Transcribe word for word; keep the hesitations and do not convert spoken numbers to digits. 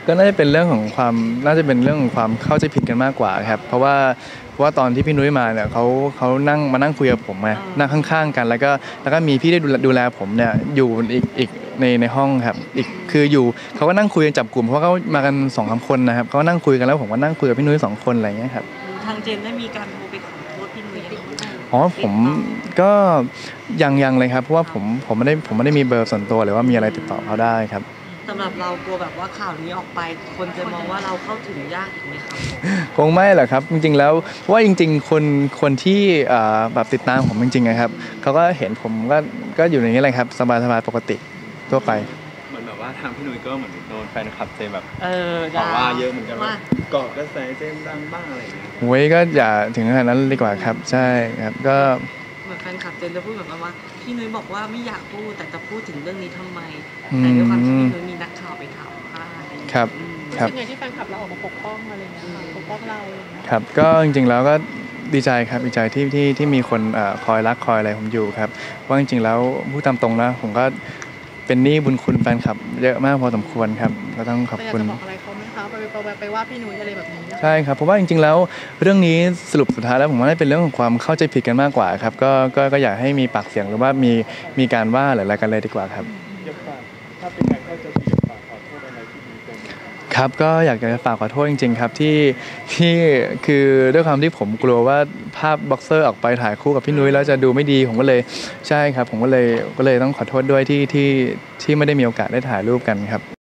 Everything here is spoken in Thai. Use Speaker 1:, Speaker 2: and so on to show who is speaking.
Speaker 1: ก็น่าจะเป็นเรื่องของความน่าจะเป็นเรื่องของความเข้าใจผิดกันมากกว่าครับเพราะว่าเพราะว่าตอนที่พี่นุ้ยมาเนี่ยเขาเขานั่งมานั่งคุยกับผมไงนั่งข้างๆกันแล้วก็แล้วก็มีพี่ได้ดูดูแลผมเนี่ยอยู่อีกอีกในในห้องครับอีกคืออยู่เขาก็นั่งคุยกันจับกลุ่มเพราะว่าเขามากันสองสามคนนะครับเขาก็นั่งคุยกันแล้วผมก็นั่งคุยกับพี่นุ้ยสองคนอะไรอย่างเงี้ยครับ
Speaker 2: ทางเจนได้มีการโทรไปขอโทษพี่นุ้ย
Speaker 1: อ๋อผมก็ยังยังเลยครับเพราะว่าผมผมไม่ได้ผมไม่ได้มีเบอร์ส่วนตัวหรือว่ามีอะไรติดต่อเขาได้ครับ
Speaker 2: สำหรับเรากลัวแบบว่าข่าวนี้ออกไปคนจะมองว่าเราเข้าถึงยากอีกไหมครับ
Speaker 1: คงไม่หรอกครับจริงๆแล้วเพราะว่าจริงๆคนคนที่แบบติดตามผมจริงๆนะครับเขาก็เห็นผมก็ก็อยู่ในนี้เลยครับสบายๆปกติทั่วไป
Speaker 3: เหมือนแบบว่าทางพี่นุ้ยก็เหมือนโดนแฟนคลับเจมแบบ
Speaker 2: เออ
Speaker 3: ต่อว่าเยอะเหมือนกันว่าเกาะกระแสเจมดังบ้างอะไรอย่างเงี้ย
Speaker 1: เว้ยก็อย่าถึงขนาดนั้นดีกว่าครับใช่ครับก็
Speaker 2: เหมือนแฟนคลับเจนจะพูดแบบว่าพี่นุ้ยบอกว่าไม่อยากพูดแต่จะพูดถึงเรื่องนี้ทำไมแต่ด้วยความที่พี่นุ้ยมีนักข่าวไปถามว่าอะไรอย่างเงี้ย
Speaker 1: ครับ
Speaker 4: ครับเป็นไงที่แฟนคลับเราออกมาปกป้องอะไรเงี้ยปกป้องเรา
Speaker 1: ครับก็จริงๆแล้วก็ดีใจครับดีใจที่ที่ที่มีคนคอยรักคอยอะไรผมอยู่ครับเพราะจริงๆแล้วพูดตามตรงนะผมก็เป็นหนี้บุญคุณแฟนคลับเยอะมากพอสมควรครับก็ต้องขอบคุณ
Speaker 4: จะบอกอะไรเขาไหมคะไปไปไปว่าพี่นุ้ยอะไรแบบนี้
Speaker 1: ใช่ครับเพราะว่าจริงๆแล้วเรื่องนี้สรุปสุดท้ายแล้วผมว่าเป็นเรื่องของความเข้าใจผิดกันมากกว่าครับก็ก็ก็อยากให้มีปากเสียงหรือว่ามีมีการว่าหรืออะไรกันเลยดีกว่าครับ
Speaker 3: ถ้าเป็นการเข้าใจผิดฝากขอโทษอะไรที่มีเป็น
Speaker 1: ครับก็อยากจะฝากขอโทษจริงๆครับที่ที่คือด้วยความที่ผมกลัวว่าภาพบ็อกเซอร์ออกไปถ่ายคู่กับพี่นุ้ยแล้วจะดูไม่ดีผมก็เลยใช่ครับผมก็เลยก็เลยต้องขอโทษด้วยที่ที่ที่ไม่ได้มีโอกาสได้ถ่ายรูปกันครับ